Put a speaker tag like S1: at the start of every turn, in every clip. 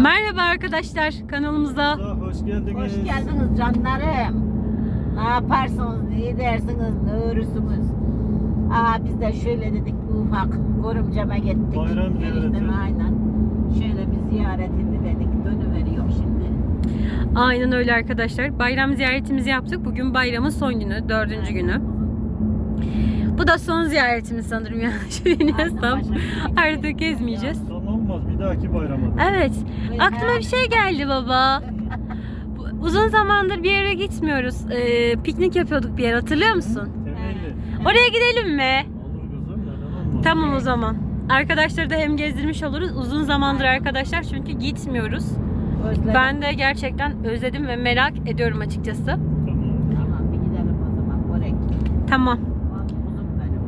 S1: Merhaba arkadaşlar kanalımıza.
S2: Hoş geldiniz.
S3: Hoş geldiniz canlarım. Ne yaparsınız, ne edersiniz, ne örürsünüz? Biz de şöyle dedik, ufak görümceme gittik.
S2: Bayram ziyareti.
S3: Eniştem aynen. Şöyle bir ziyaret ediverdik, dönüveriyor şimdi.
S1: Aynen öyle arkadaşlar. Bayram ziyaretimizi yaptık. Bugün bayramın son günü, 4. günü. Bu da son ziyaretimiz sanırım yanlış bilmiyorsam. Artık gezmeyeceğiz.
S2: Son olmaz, bir dahaki bayrama.
S1: Evet. Aklıma bir şey geldi baba. Uzun zamandır bir yere gitmiyoruz. Piknik yapıyorduk bir yer, hatırlıyor musun?
S2: Temelli.
S1: Oraya gidelim mi?
S2: Olur kızım, neden olmaz?
S1: Tamam o zaman. Arkadaşları da hem gezdirmiş oluruz. Uzun zamandır arkadaşlar çünkü gitmiyoruz.
S3: Özledim.
S1: Ben de gerçekten özledim ve merak ediyorum açıkçası.
S2: Tamam.
S3: Tamam, bir gidelim o zaman. Börek.
S1: Tamam.
S3: Uzun benim.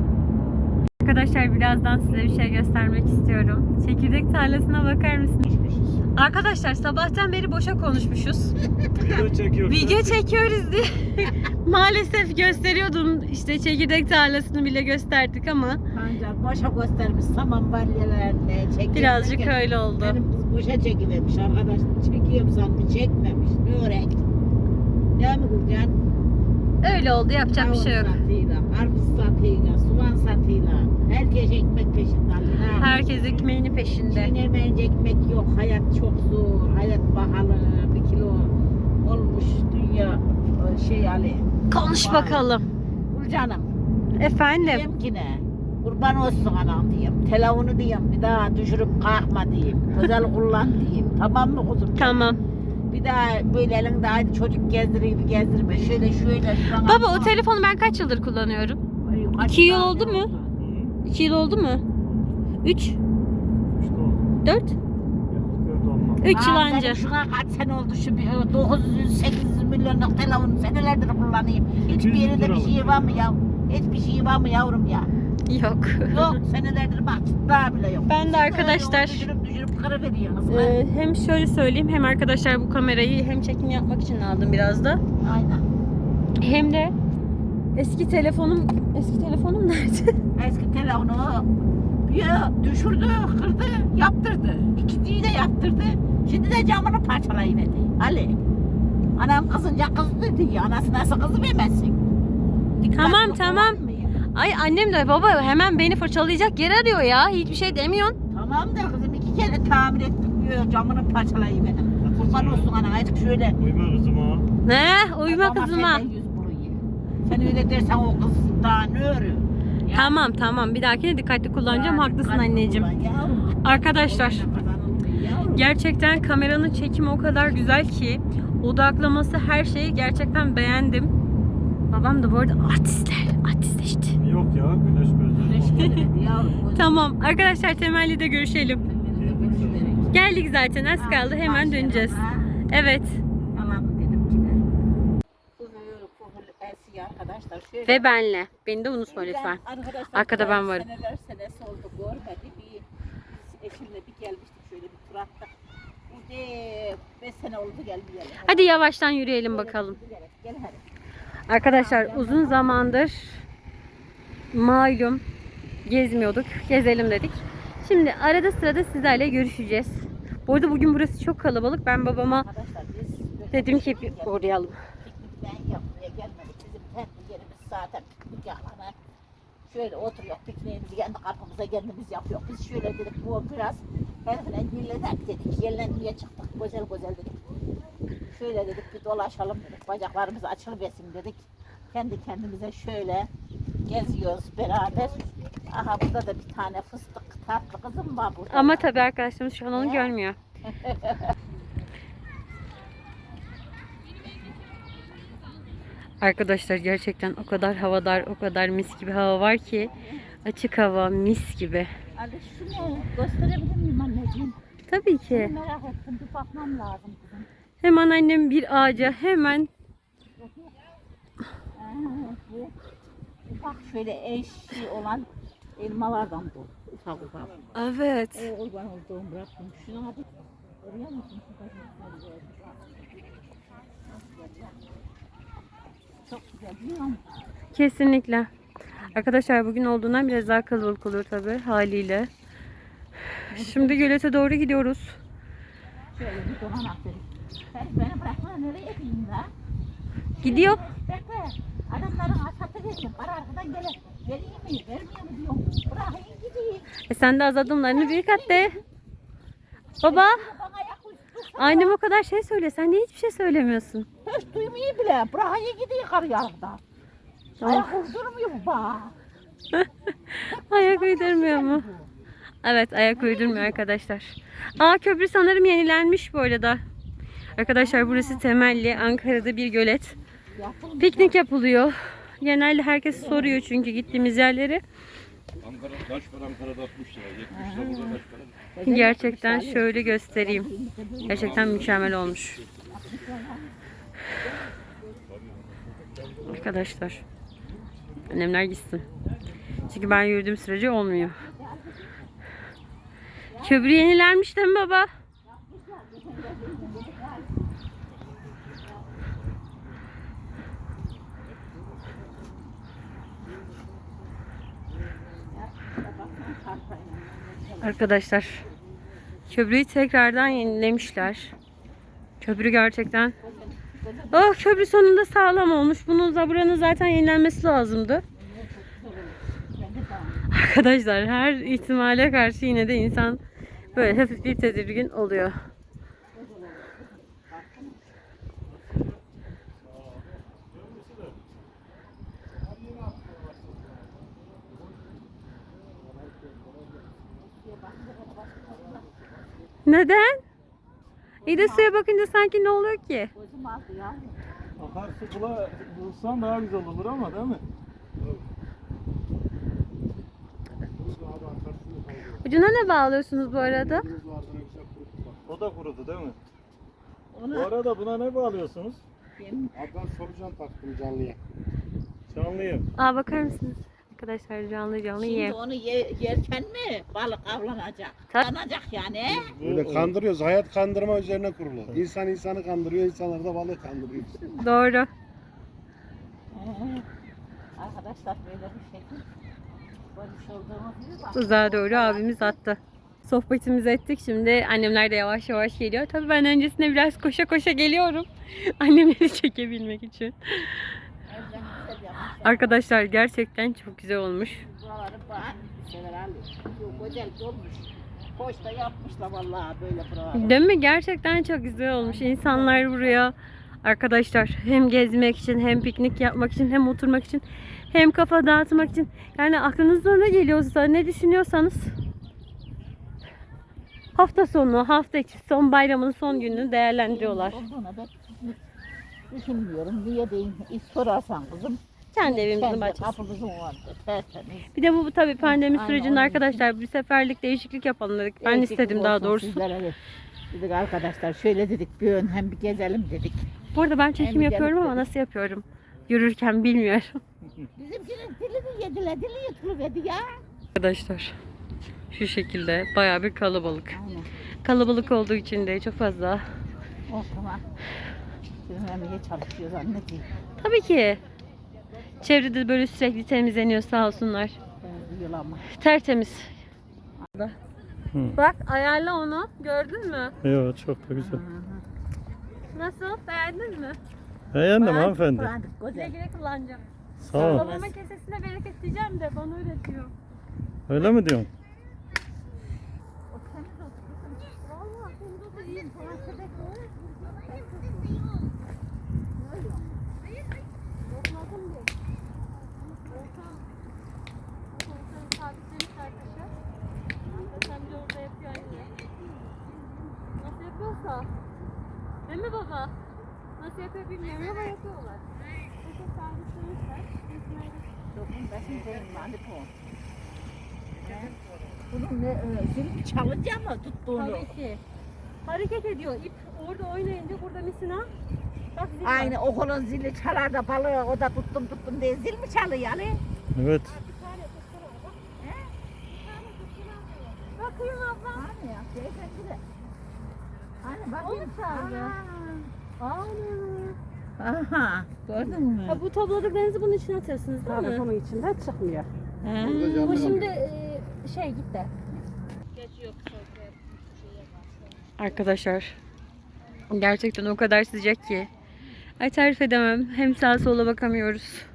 S1: Arkadaşlar birazdan size bir şey göstermek istiyorum. Çekirdek tarlasına bakar mısınız? Arkadaşlar sabahtan beri boşa konuşmuşuz.
S2: Video çekiyoruz.
S1: Video çekiyoruz diye. Maalesef gösteriyordum. İşte çekirdek tarlasını bile gösterdik ama
S3: Ancak boşa göstermiş saman balyelerini çekiyor.
S1: birazcık öyle oldu.
S3: Benim kız boşa çekivermiş arkadaş. Çekiyorum sanmış, çekmemiş. Ne örek? Değil mi Gülcan?
S1: Öyle oldu, yapacak bir şey yok.
S3: Kavun satıyla, karpuz satıyla, soğan satıyla. Herkes ekmek peşinde.
S1: Herkes ekmeğini peşinde.
S3: Çiğnemeyince ekmek yok. Hayat çok zor. Hayat pahalı. 1 kilo olmuş dünya Ali.
S1: Konuş bakalım.
S3: Gülcan'ım.
S1: Efendim.
S3: Diyeyim ki ne? Kurban olsun anam diyeyim. Telefonu diyeyim. Bir daha düşürüp kalkma diyeyim. Özel kullan diyeyim. Tamam mı kuzum?
S1: Tamam.
S3: Bir daha böyle elinde hadi çocuk gezdireyim gibi gezdirme. Şöyle.
S1: Baba o telefonu ben kaç yıldır kullanıyorum? 2 yıl oldu mu? 2 yıl oldu mu? 3?
S2: İşte oldu.
S1: 4?
S2: Yok, dört olmaz.
S1: 3 yıl önce.
S3: Şuna kaç sene oldu şu 900-800 milyonluk telefonu senelerdir kullanayım. Hiçbir yerinde bir şey var mı ya? Hiçbir şey var mı yavrum ya?
S1: Yok.
S3: Yok senelerdir bak daha bile yok.
S1: Ben de arkadaşlar
S3: Düşürüp kırıveriyorsunuz.
S1: hem şöyle söyleyeyim, hem arkadaşlar bu kamerayı hem çekim yapmak için aldım biraz da.
S3: Aynen.
S1: Hem de eski telefonum nerede?
S3: Eski telefonu ya düşürdü, kırdı, yaptırdı. İkinciyi de yaptırdı. Şimdi de camını parçalayıverdi. Ali. Anam kızınca kız dedi ya. Anası nasıl kızı vermezsin?
S1: Tamam. Ay annem de baba hemen beni fırçalayacak yer arıyor ya. Hiçbir şey demiyorsun.
S3: Tamam da kızım 2 kere tamir ettim diyor. Camını parçalayıverdi. Kurban olsun ana. Azıcık şöyle.
S2: Uyuma kızım ha.
S1: Ne? Uyuma
S3: Ama
S1: kızıma.
S3: senden yüz buluyor. Sen öyle dersen o kız daha ne örüyor? Ya.
S1: Tamam. Bir dahakine dikkatli kullanacağım.
S3: Yani
S1: Haklısın
S3: dikkatli
S1: anneciğim.
S3: kullan yavrum.
S1: Arkadaşlar
S3: Yavrum.
S1: gerçekten kameranın çekimi o kadar güzel ki, odaklaması, her şeyi gerçekten beğendim. Babam da bu arada artist işte.
S2: Yok ya, güneş
S3: Güneş
S2: gözleri.
S3: geldi yavrum.
S1: Tamam arkadaşlar, temelli de görüşelim. Geldik zaten, az kaldı, hemen döneceğiz. Evet.
S3: Tamam dedim ki ne? Bu esiyor arkadaşlar. Şöyle.
S1: Ve benle. Beni de unutma lütfen.
S3: Arkadaşlar,
S1: Arkada ben varım.
S3: Seneler senesi oldu görmedi. Biz eşimle bir gelmiştik şöyle bir tur attık. Bu de 5 sene oldu gelmeyeli.
S1: Hadi yavaştan yürüyelim bakalım.
S3: Gel hadi.
S1: Arkadaşlar uzun zamandır malum gezmiyorduk. Gezelim dedik. Şimdi arada sırada sizlerle görüşeceğiz. Bu arada bugün burası çok kalabalık. Ben babama
S3: Arkadaşlar biz
S1: dedim ki bir uğrayalım.
S3: piknikten yapmaya gelmedik. Bizim kendi yerimiz zaten piknik alanı. Şöyle oturuyor, pikniğimizi kendi kapımıza kendimiz yapıyor. Biz şöyle dedik, bu biraz herifle yerlenek dedik. Yerlenmeye çıktık, güzel dedik. Şöyle dedik, bir dolaşalım dedik. Bacaklarımız açılıversin dedik. Kendi kendimize şöyle geziyoruz beraber. Aha burada da bir tane fıstık tatlı kızım var burada.
S1: Ama tabii arkadaşlarımız şu an onu görmüyor. Arkadaşlar gerçekten o kadar havadar, o kadar mis gibi hava var ki, açık hava mis gibi.
S3: Ali şunu gösterebilir miyim anneciğim?
S1: Tabii ki.
S3: Merak ettim, bir bakmam lazım kızım.
S1: Hemen annem bir ağaca hemen
S3: Bu ufak şöyle eşi olan elmalardan bu. Ufak.
S1: evet.
S3: Kurban olduğum bıraktım. Şuna hadi. Görüyor musun? Çok güzel değil mi?
S1: Kesinlikle. Arkadaşlar bugün olduğundan biraz daha kalabalık oluyor tabii haliyle. Şimdi gölete doğru gidiyoruz.
S3: Şöyle bir dolan dedik. Sen beni bırakma nereye gideyim la?
S1: Gidiyor.
S3: Bekle. Adamların asatı geçtim. Para arkadan gelir. Vereyim mi? Vermiyor mu diyorum. Bırakayım gideyim.
S1: Sen de az adımlarını büyük at de. Baba.
S3: Bana ayak uydursun.
S1: Annem o kadar şey söyle. Sen niye hiçbir şey söylemiyorsun?
S3: Hiç duymuyor bile. Bırakayım gideyim karı yarıda. Ayak uydurmuyor bu bana.
S1: Ayak uydurmuyor mu? Evet, ayak uydurmuyor arkadaşlar. Aa, köprü sanırım yenilenmiş bu arada. Arkadaşlar burası Temelli, Ankara'da bir gölet.
S3: Yapılmış.
S1: Piknik yapılıyor. Genelde herkes soruyor çünkü gittiğimiz yerleri.
S4: Ankara, taş var Ankara'da 60 lira, 70 lira burada taş var.
S1: Gerçekten şöyle göstereyim. Gerçekten mükemmel olmuş. Arkadaşlar. Annemler gitsin. Çünkü ben yürüdüğüm sürece olmuyor. Köprü yenilenmiş değil mi baba? Arkadaşlar, köprüyü tekrardan yenilemişler. Köprü gerçekten... Oh, köprü sonunda sağlam olmuş. Buranın zaten yenilenmesi lazımdı. Arkadaşlar, her ihtimale karşı yine de insan böyle hafif bir tedirgin oluyor. Neden? İyi de suya bakınca sanki ne oluyor ki?
S3: Gözüm aldı ya.
S2: Akarsu bulsan daha güzel olur ama değil mi?
S1: Ucuna ne bağlıyorsunuz bu arada?
S2: O da kurudu değil mi? Bu
S3: Ona
S2: arada buna ne bağlıyorsunuz?
S3: benim
S4: Ablam solucan taktım canlıya.
S2: Canlıyım.
S1: Aa, bakar mısınız? Arkadaşlar canlı
S3: şimdi
S1: ye.
S3: onu yerken mi balık avlanacak?
S1: Tabii.
S3: Avlanacak yani.
S4: Böyle kandırıyoruz. Hayat kandırma üzerine kurulu. İnsan insanı kandırıyor, insanlar da balığı kandırıyor.
S1: Doğru.
S3: Arkadaşlar böyle bir şekil. Görmüş olduğunuz gibi bak.
S1: Tuzağa doğru abimiz attı. Sohbetimizi ettik. Şimdi annemler de yavaş yavaş geliyor. Tabii ben öncesinde biraz koşa koşa geliyorum. Annemleri çekebilmek için.
S3: Evden güzel yapmışlar.
S1: Arkadaşlar gerçekten çok güzel olmuş.
S3: Buraları bak. Sever Ali. Çok güzel olmuş. Hoş da yapmışlar vallahi böyle buraları.
S1: Değil mi? Gerçekten çok güzel olmuş. İnsanlar buraya arkadaşlar hem gezmek için hem piknik yapmak için hem oturmak için hem kafa dağıtmak için, yani aklınıza ne geliyorsa, ne düşünüyorsanız hafta sonu, hafta içi, son bayramın son gününü değerlendiriyorlar.
S3: Olduğuna da düşünmüyorum. Niye diyeyim? Sorarsan kızım.
S1: Kendi evimizin
S3: Kendi
S1: bahçesi.
S3: kapımızın vardı. Tertemiz.
S1: Bir de bu tabii pandemi
S3: Aynen,
S1: sürecinde
S3: onun
S1: arkadaşlar bir seferlik değişiklik yapalım dedik. Ben
S3: Değişiklik
S1: istedim daha
S3: olsun
S1: doğrusu.
S3: sizlere de. Dedik arkadaşlar şöyle dedik bir ön hem bir gezelim dedik.
S1: Bu arada ben çekim
S3: Hem
S1: yapıyorum
S3: gelip
S1: ama
S3: dedik.
S1: nasıl yapıyorum? Yürürken bilmiyorum.
S3: Bizimkinin dilini yediler, dili yutuluverdi ya.
S1: Arkadaşlar şu şekilde bayağı bir kalabalık.
S3: Aynen.
S1: Kalabalık olduğu için de çok fazla.
S3: Oh tamam. Bizim emeğe çalışıyoruz anneciğim.
S1: Tabii ki. Çevrede böyle sürekli temizleniyor sağ olsunlar.
S3: Benziyor ama.
S1: Tertemiz.
S2: Hı.
S1: Bak ayarla onu. Gördün mü?
S2: Evet, çok da güzel.
S1: Nasıl? Beğendin mi?
S2: Beğendim hanımefendi.
S3: Kullandık,
S1: Güle
S3: güzel.
S1: güle kullanacağım.
S2: Sağ ol.
S1: Babama kesesine bereket diyeceğim de bana öğretiyor.
S2: Öyle mi diyorsun?
S3: O temiz olsun.
S1: Vallahi temiz oldu iyi. Nasıl yapıyorsa. Değil mi baba? Nasıl yapıyor bilmiyorum ama yapıyorlar. Çok sabitlemişler.
S3: Dokun besin benim hani bu. Bunun ne zil çalınca mı tuttuğunu?
S1: Tabii ki. Hareket ediyor. İp orada oynayınca burada misina. Bak zil var.
S3: Aynı okulun zili çalar da balığı o da tuttum diye zil mi çalıyor yani?
S2: Evet.
S1: Bakayım abla.
S3: Hani ya beyefendi de. Hani bak.
S1: O mu çaldı? Ana.
S3: Aha gördün mü?
S1: Ha, bu topladıklarınızı bunun içine atıyorsunuz değil mi?
S3: Bunun içinde çıkmıyor.
S1: Bu şimdi gitti. Arkadaşlar Gerçekten o kadar sıcak ki. Ay tarif edemem. Hem sağa sola bakamıyoruz.